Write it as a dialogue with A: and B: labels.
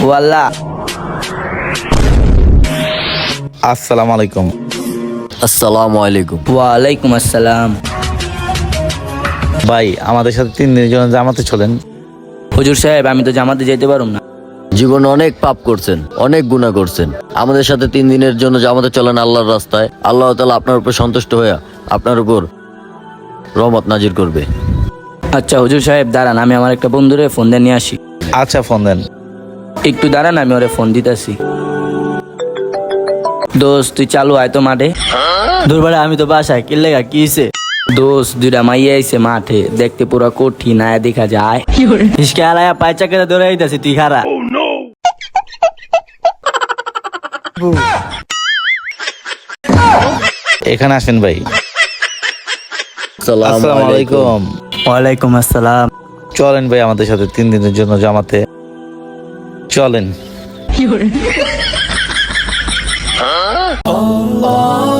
A: ওয়াল্লাহ।
B: আসসালামু আলাইকুম।
C: আসসালামু আলাইকুম।
A: ওয়ালাইকুম আসসালাম।
B: ভাই আমাদের সাথে 3 দিনের জন্য জামাতে চলেন।
A: হুজুর সাহেব, আমি তো জামাতে যেতে পারুম না।
C: জীবনে অনেক পাপ করছেন, অনেক গুনাহ করছেন। আমাদের সাথে 3 দিনের জন্য জামাতে চলেন আল্লাহর রাস্তায়। আল্লাহ তাআলা আপনার উপর সন্তুষ্ট হয়ে আপনার উপর রহমত নাজির করবে।
A: আচ্ছা হুজুর সাহেব দাঁড়ান, আমি আমার একটা বন্ধুরে ফোন দিয়ে নিয়ে আসি।
B: আচ্ছা ফোন দেন।
A: একটু দাঁড়ান, আমি ওরে ফোন দিতেছি। দোস্ত তুই চালু আয় তো মাঠে।
D: দুর্বারে আমি তো বাসায় কি লেগা কি হইছে?
A: দোস্ত দুইটা মাইয়া আইছে মাঠে, দেখতে পুরা কঠিন, আয়া দেখা যায়।
D: হিসকে আলায়া পায় চাকাতে ধরে আইতাছি, তুই খারা।
B: এখানে আসেন ভাই।
C: আসসালামু আলাইকুম।
D: ওয়ালাইকুম আসসালাম।
B: চলেন ভাই আমাদের সাথে 3 দিনের জন্য জামাতে চলেন।